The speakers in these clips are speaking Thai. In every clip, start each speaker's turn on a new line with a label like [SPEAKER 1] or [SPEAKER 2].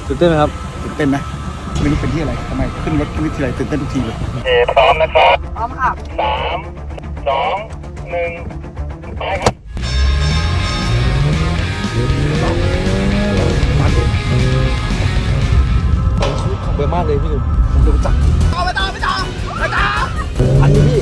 [SPEAKER 1] ตื่นเต้นไหมครับ
[SPEAKER 2] ตื่นเต้นนะไม่รู้เป็นที่อะไรทำไมขึ้นรถขึ้นที่ไรตื่นเต้นทุกทีเลย
[SPEAKER 3] พร้อมนะครับ
[SPEAKER 4] พร้อมค่ะ
[SPEAKER 3] 3 2 1ไปครับ
[SPEAKER 1] ชีวิตของเบอร์มากเลยพี่หนุ่ม
[SPEAKER 2] ผมจะรู้จัก
[SPEAKER 4] ไปต่อ
[SPEAKER 1] อันนี้พี่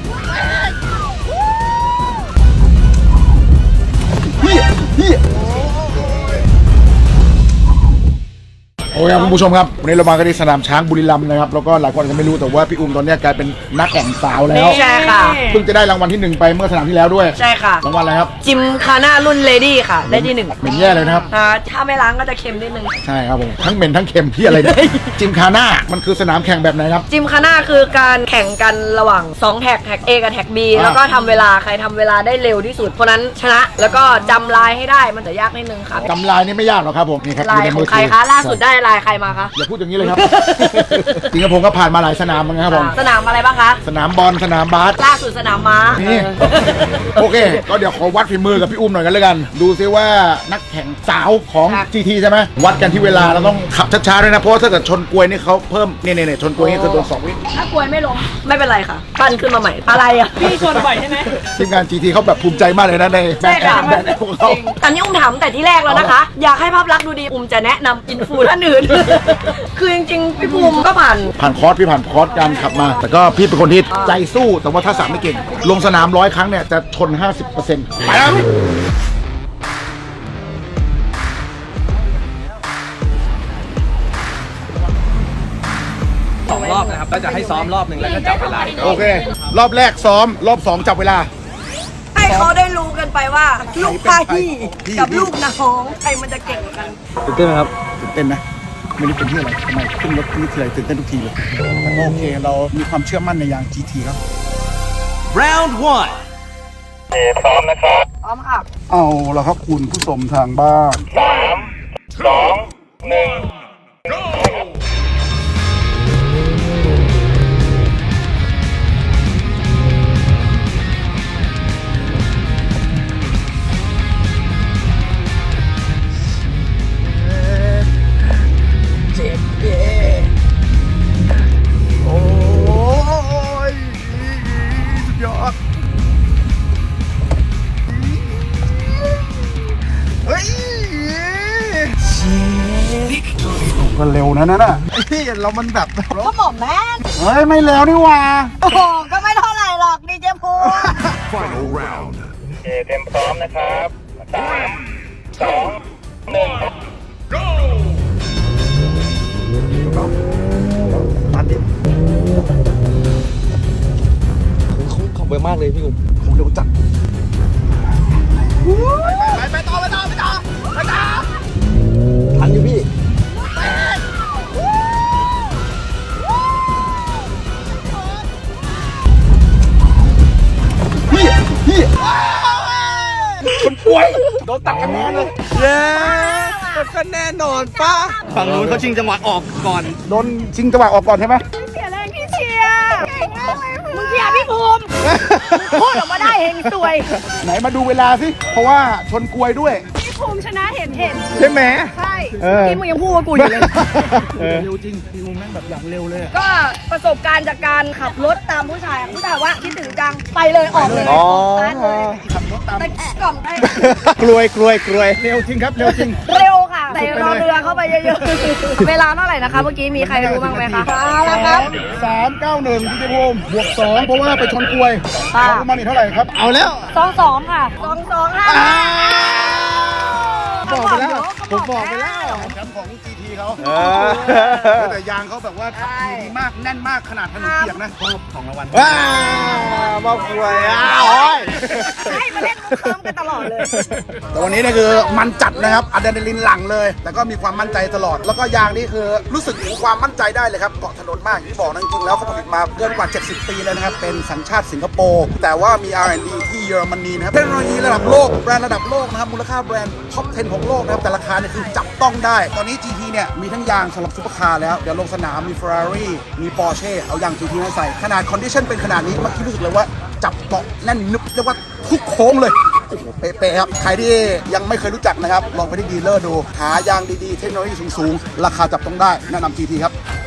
[SPEAKER 2] โอเคครับคุณผู้ชมครับวันนี้เรามากันที่สนามช้างบุรีรัมย์นะครับแล้วก็หลายคนอาจจะไม่รู้แต่ว่าพี่อุ้มตอนนี้กลายเป็นนักแข่งสาวแล้ว
[SPEAKER 4] ใช่ค่ะ
[SPEAKER 2] เพิ่งจะได้รางวัลที่1ไปเมื่อสนามที่แล้วด้วย
[SPEAKER 4] ใช่ค่ะ
[SPEAKER 2] รางวัลอะไรครับ
[SPEAKER 4] จิมคาน่ารุ่นเลดี้ค่ะได้ที่1
[SPEAKER 2] เหม็นแย่เลยนะครับ
[SPEAKER 4] ถ้าไม่ล้างก็จะเค็มนิดนึง
[SPEAKER 2] ใช่ครับผมทั้งเหม็นทั้งเค็มที่อะไรเนี่ยจิมคาน่ามันคือสนามแข่งแบบไหนครับ
[SPEAKER 4] จิมคาน่าคือการแข่งกันระหว่าง2แท็กA กับแท็ก B แล้วก็ทำเวลาใครทำเวลาได้เร็วที่สุดคนนั้นชนะแล้วก็จำลายให้ได้มันจะยากนิดนึงค่ะ
[SPEAKER 2] จำลายนี่ไม่ยากหรอกครับผมนี่ครับ
[SPEAKER 4] ลายของใครคะล่าสุดได้ลายใครมาคะ
[SPEAKER 2] อย่าพูดอย่างนี้เลยครับจริงๆผมก็ผ่านมาหลายสนามเหมือนกันครับผม
[SPEAKER 4] สนามอะไรบ้างคะ
[SPEAKER 2] สนามบอลสนามบาส
[SPEAKER 4] ล่าสุดสนามม้า
[SPEAKER 2] นี่โอเคก็เดี๋ยวขอวัดฝีมือกับพี่อุ้มหน่อยกันเลยกันดูซิว่านักแข่งสาวของ GT ใช่ไหมวัดกันที่เวลาเราต้องขับช้าๆด้วยนะเพราะถ้าเกิดชนกลวยนี่เขาเพิ่มเนี่ยชนกลวยนี่คือตัว2 วิ
[SPEAKER 4] ถ้ากลวยไม่ล้มไม่เป็นไรค่ะปั้นขึ้นมาใหม่อะไรอ่ะพี่ชนบ่อยใช่ไหม
[SPEAKER 2] ทีมงาน GT เขาแบบภูมิใจมากเลยนะในแบรนด์ของเขา
[SPEAKER 4] ตอนนี้อุ้มถามแต่ที่แรกแล้วนะคะอยากให้ภาพลักษณ์ดูดีอุ้มจะแนะนำอินฟูท่านอื่นคือจริงๆพี่ภูมิก็ผ่าน
[SPEAKER 2] คอร์สพี่ผ่านคอร์สการขับมาแต่ก็พี่เป็นคนที่ใจสู้แต่ว่าถ้าสามไม่เก่งลงสนาม100 ครั้งเนี่ยจะชน 50%ไปแล้ว
[SPEAKER 1] 2 รอบนะครับแล้วจะให้ซ้อมรอบหนึ่งแล้วก็จับเวลา
[SPEAKER 2] โอเครอบแรกซ้อมรอบ2จับเวลา
[SPEAKER 4] ให้เขาได้รู้กันไปว่าลูกพี่กับลูกน้องใครมันจะเก่งกัน
[SPEAKER 1] ตื่นเต้นไหมครับ
[SPEAKER 2] ตื่นเต้นนะไม่รู้เป็นที่อะไรทำไมขึ้นรถขึ้นที่ไรตื่นเต้นทุกทีเลยแต่ก็โอเคเรามีความเชื่อมั่นในยาง GT ครับ
[SPEAKER 3] Round 1พร้อมนะครับ
[SPEAKER 4] พร้อมค่ะ
[SPEAKER 2] เอาละครับคุณผู้ชมทางบ้าน
[SPEAKER 3] 3 2 1 go
[SPEAKER 2] ก็เร็วนะนั่นน่ะเรามันแบบ
[SPEAKER 4] ก็บอกแม่
[SPEAKER 2] เฮ้ยไม่แล้วนี่ว่า
[SPEAKER 4] โอ้โหก็ไม่เท่าไหร่หรอกดีเจพู
[SPEAKER 3] Final round เต็มพร้อมนะครับ3 2 1 go
[SPEAKER 2] ตัดดิ
[SPEAKER 1] ของเบอร์มากเลยพี่หนุ่ม
[SPEAKER 2] ผมเร็วจัด
[SPEAKER 4] ไปต่อ
[SPEAKER 1] ทันอยู่พี่
[SPEAKER 2] คนป่วยโดนตัดคะแนนเลย
[SPEAKER 1] เย้ก็แน่นอนป้าฝั่งนู้นเขาชิงจังหวะออกก่อน
[SPEAKER 2] โดนชิงจังหวะออกก่อนใช่ไหม
[SPEAKER 4] เสียแรงที่เชียร์เก่งมากเลยมึงเชียร์พี่ภูมิพูดออกมาได้เฮงสวย
[SPEAKER 2] ไหนมาดูเวลาสิเพราะว่าชนกลวยด้วย
[SPEAKER 4] พี่ภูมิชนะเห็น
[SPEAKER 2] ใช่ไหม
[SPEAKER 4] ใช่พี่มึงยังพูดว่ากูอยู่เลย
[SPEAKER 2] เร็วจริงพี่ภูมิแม่งแบบอย่างเร็วเลย
[SPEAKER 4] ก็ประสบการณ์จากการขับรถตามผู้ชายว่าคิดถึงจังไปเลยออกเลย
[SPEAKER 2] ขับรถตาม
[SPEAKER 4] กล่อมได้
[SPEAKER 2] กลวยเร็วจริงครับเร็วจริง
[SPEAKER 4] เร็วค่ะใส่รอเรือเข้าไปเยอะๆเวลาเท่าไหร่นะคะเมื่อกี้มีใครรู้บ้างไหมคะ
[SPEAKER 2] แล้วครับ391พี่ภูมิบวก2เพราะว่าไปชนกลวยรู้มานี่เท่าไหร่ครับเอาแล้ว
[SPEAKER 4] 22ค่ะ22ค่ะ
[SPEAKER 2] บอกไปแล้วผมบอกไปแล้วแชมป์ของ GT เขาแต่ยางเขาแบบว่าดีมากแน่นมากขนาดถนนเปียกนะของรางวัลมาคุย
[SPEAKER 4] ให้มาเล่นมุกเคิร์มกันตลอดเลย
[SPEAKER 2] แต่วันนี้นี่คือมันจัดนะครับอะดรีนาลินหลั่งเลยแต่ก็มีความมั่นใจตลอดแล้วก็ยางนี่คือรู้สึกถึงความมั่นใจได้เลยครับเกาะถนนมากที่บอกนะจริงๆแล้วเขาผลิตมาเกินกว่า70 ปีแล้วนะครับเป็นสัญชาติสิงคโปร์แต่ว่ามี R&D ที่เยอรมนีนะครับเทคโนโลยีระดับโลกแบรนด์ระดับโลกนะครับมูลค่าแบรนด์ท็อป 10 ของโลกนะครับแต่ราคาเนี่ยคือจับต้องได้ตอนนี้ GT เนี่ยมีทั้งยางสำหรับซุปเปอร์คาร์แล้วเดี๋ยวลงสนามมี Ferrari มี Porsche เอายาง GT มาใส่ขนาดคอนดิชั่นเป็นขนาดนี้เมื่อกี้รู้สึกเลยว่าจับเกาะแน่นนึบเรียกว่าทุกโค้งเลยโอ้โหเป๊ะๆครับใครที่ยังไม่เคยรู้จักนะครับลองไปที่ดีลเลอร์ดูหายางดีๆเทคโนโลยีสูงๆราคาจับต้องได้แนะนำ GT ครับ